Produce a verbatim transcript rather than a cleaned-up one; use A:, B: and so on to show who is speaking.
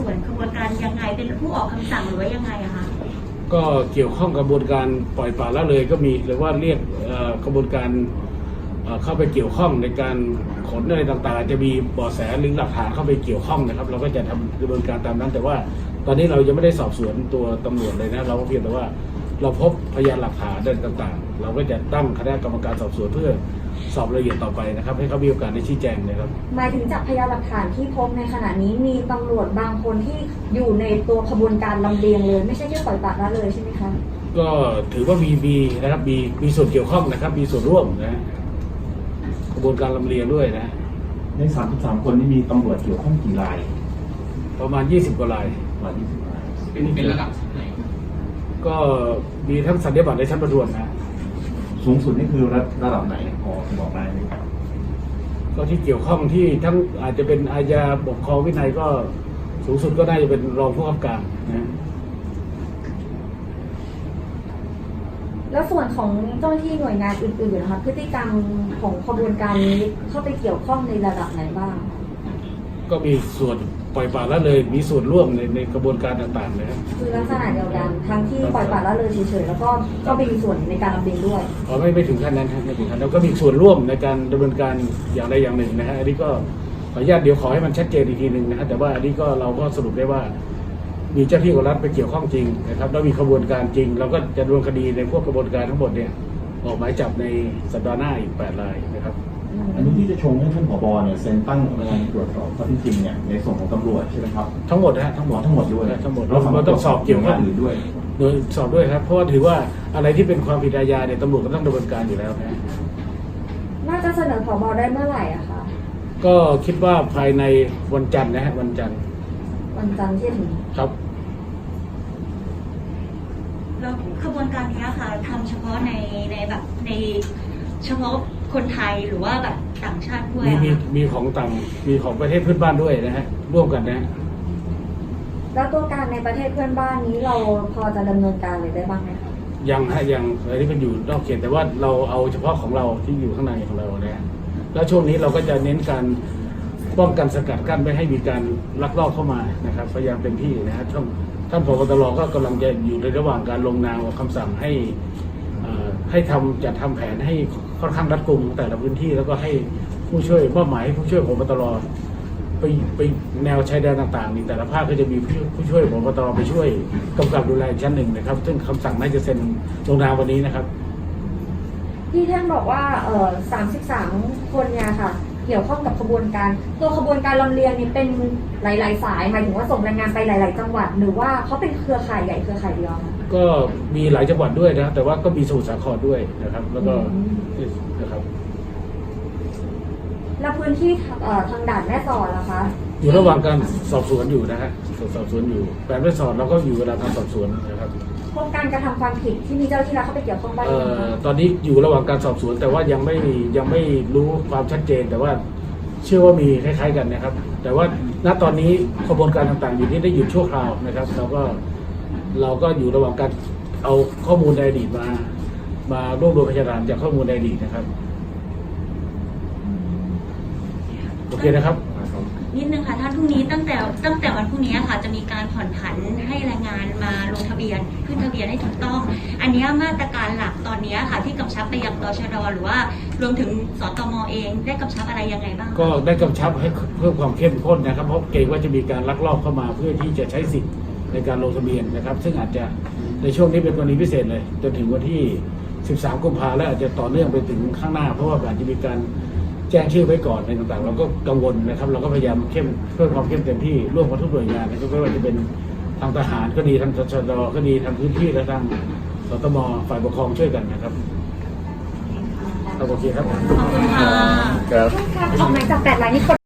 A: วนขบวนการยังไงเป็นผู้ออกคำสั่งหรือว่ายังไงอะคะ
B: ก็เกี่ยวข้องกับกระบวนการปล่อยปละละเลยก็มีหรือว่าเรียกกระบวนการเข้าไปเกี่ยวข้องในการขนอะไรต่างๆจะมีเบาะแสหรือหลักฐานเข้าไปเกี่ยวข้องนะครับเราก็จะทำกระบวนการตามนั้นแต่ว่าตอนนี้เรายังไม่ได้สอบสวนตัวตำรวจเลยนะเราก็เพียงแต่ว่าเราพบพยานหลักฐานต่างๆเราก็จะตั้งคณะกรรมการสอบสวนเพื่อสอบรายละเอียดต่อไปนะครับให้เขามีโอกาสได้ชี้แจงนะครับ
C: หมายถึงจากพยานหลักฐานที่พบในขณะนี้มีตำรวจบางคนที่อยู่ในตัวขบวนการลำเลียงเลยไม่ใช่แค่ปล่อยปละละเลยใช่ไหมคะ
B: ก็ถือว่ามีมีนะครับมีมีส่วนเกี่ยวข้องนะครับมีส่วนร่วมนะกระบวนการลำเลียงด้วยนะ
D: ในสามสิบสามคนนี้มีตำรวจเกี่ยวข้องกี่ราย
B: ประมาณยี่สิบกว่าราย
D: ประมาณยี่สิบราย
E: เป็นเป็นระดับไหน
B: ก็มีทั้งสัญญาบัตรในชั้นประทวนนะ
D: สูงสุดนี่คือระระดับไหนพอบอกได้ไหมครับ
B: ก็ที่เกี่ยวข้องที่ทั้งอาจจะเป็นอาญาปกครองวินัยก็สูงสุดก็น่าจะเป็นรองผู้กำกับการนะ
C: แล้วส่วนของเจ้าหน้าที่หน่วยงานอื่นๆนะคะพฤติกรรมของขบวนการนี้เข้าไปเกี่ยวข้องในระดับไหนบ้าง
B: ก็มีส่วนปล่อยปละละเลยมีส่วนร่วมในในกระบวนการต่างๆนะครับ
C: คือลักษณะเดียวกันทั้งที่ปล่อยปละละเลยเฉยๆแล้วก็ก็มีส่วนในการลำเลียงด้วย
B: อ๋อไม่ไม่ถึงขั้นนั้นครับไม่ถึงขั้นแล้วก็มีส่วนร่วมในการดำเนินการอย่างใดอย่างหนึ่งนะฮะอันนี้ก็ขออนุญาตเดี๋ยวขอให้มันชัดเจนอีกทีหนึ่งนะฮะแต่ว่าอันนี้ก็เราก็สรุปได้ว่ามีเจ้าที่ของรัฐไปเกี่ยวข้องจริงนะครับแล้วมีกระบวนการจริงเราก็จะดำเนินคดีในพวกกระบวนการทั้งหมดเนี่ยออกหมายจับในสัปดาห์หน้าอีกแปดรายนะครับ
D: อันนี้ที่จะชงให้ท่านผบเนี่ยเซ็นตั้งกรรมการตรวจสอบข้อเท็จจริงเนี่ยในส่วนของตำรวจใช่ไหมครับ
B: ทั้งหมดนะทั้งหมด
D: ทั้งหมดด้วย
B: ทั้งหมดเราต้องสอบเกี่ยวกับ
D: อื่นด้วย
B: โดยสอบด้วยครับเพราะว่าถือว่าอะไรที่เป็นความผิดอาญาเนี่ยตำรวจก็ต้องดำเนินการอยู่แล้วนะ
C: น่าจะเสนอผบได้เมื่อไหร่อะคะ
B: ก็คิดว่าภายในวันจันทร์นะฮะวันจันทร์
C: วันจันทร์ที่ถึง
B: ครับ
A: แล้วขบวนการนี้ค่ะทำเฉพาะในในแบบในเฉพาะคนไทยหรือว่าแบบต่างชาติด้วย
B: มีมีมีของต่างมีของประเทศเพื่อนบ้านด้วยนะฮะร่วมกันนะ
C: แล้วตัวการในประเทศเพื่อนบ้านนี้เราพอจะดำเนินการเลยได้บ้างไหมคะ
B: ยังฮะยังอะไรที่มันอยู่นอกเขตแต่ว่าเราเอาเฉพาะของเราที่อยู่ข้างในของเรานะแล้วช่วงนี้เราก็จะเน้นการป้องกันสกัดกั้นไม่ให้มีการลักลอบเข้ามานะครับพยายามเต็มที่นะฮะช่วงท่านผบ.ตร.ก็กำลังจะอยู่ในระหว่างการลงนามออกคำสั่งให้ให้ทำจัดทำแผนให้ค่อนข้างรัดกุมแต่ละพื้นที่แล้วก็ให้ผู้ช่วยมอบหมายให้ผู้ช่วยผบ.ตร.ไปไปแนวชายแดนต่างๆนี่แต่ละภาคก็จะมีผู้ผู้ช่วยผบ.ตร.ไปช่วยกำกับดูแลชั้นหนึ่งนะครับซึ่งคำสั่งน่าจะเซ็นลงนามวันนี้นะครับ
C: ที่ท่านบอกว่าเอ่อสามสิบสามคนเนี่ยค่ะเกี่ยวข้องกับขบวนการตัวขบวนการลำเลียงนี่เป็นหลายๆสายหมายถึงว่าส่งแรงงานไปหลายๆจังหวัดหรือว่าเขาเป็นเครือข่ายใหญ่เครือข่ายเดียวคะ
B: ก็มีหลายจังหวัดด้วยนะแต่ว่าก็มีสมุทรสาครด้วยนะครับแล้วก็นะครับ
C: แล้วพื้นที่ทางด่านแม่สอดล่ะคะ
B: อยู่ระหว่างการสอบสวนอยู่นะฮะสอบสวนอยู่แปดแม่สอดเราก็อยู่ระหว่างการสอบสวนนะครับ
C: พบการกระทำความผิดที่มีเจ้าที่รัฐเข้าไปเกี่ยวข้องบ้างไหมคะ
B: ตอนนี้อยู่ระหว่างการสอบสวนแต่ว่ายังไม่ยังไม่รู้ความชัดเจนแต่ว่าเชื่อว่ามีคล้ายๆกันนะครับแต่ว่าณตอนนี้กระบวนการต่างๆอยู่ที่ได้หยุดชั่วคราวนะครับเราก็เราก็อยู่ระหว่างการเอาข้อมูลในอดีตมามารวบรวมพยานหลักฐานจากข้อมูลในอดีตนะครับโอเคนะครับ
A: นิดนึงค่ะท่านพรุ่งนี้ตั้งแต่ตั้งแต่วันพรุ่งนี้ค่ะจะมีการผ่อนผันให้แรงงานมาลงทะเบียนขึ้นทะเบียนให้ถูกต้องอันนี้มาตรการหลักตอนนี้ค่ะที่กำชับไปยังตชด.หรือว่ารวมถึงสตม.เองได้กำชับอะไรยังไงบ้าง
B: ก็ได้กำชับให้เพิ่มความเข้มข้นนะครับเพราะเกรงว่าจะมีการลักลอบเข้ามาเพื่อที่จะใช้สิทธิ์ในการลงทะเบียนนะครับซึ่งอาจจะในช่วงนี้เป็นกรณีพิเศษเลยจนถึงวันที่สิบสามกุมภาพันธ์และอาจจะต่อเนื่องไปถึงข้างหน้าเพราะว่าอาจจะมีการแจ้งชื่อไว้ก่อนในต่างๆเราก็กังวลนะครับเราก็พยายามเข้มเพิ่มความเข้มเต็มที่ร่วมกับทุกหน่วยงานนะครับไม่ว่าจะเป็นทางทหารก็ดีทางตชด.ก็ดีทางพื้นที่และทางสตม.ฝ่ายปกครองช่วยกันนะครับโอเคครับ
A: ขอบคุณค่ะ
C: ออกหมายจับแปดรายนี้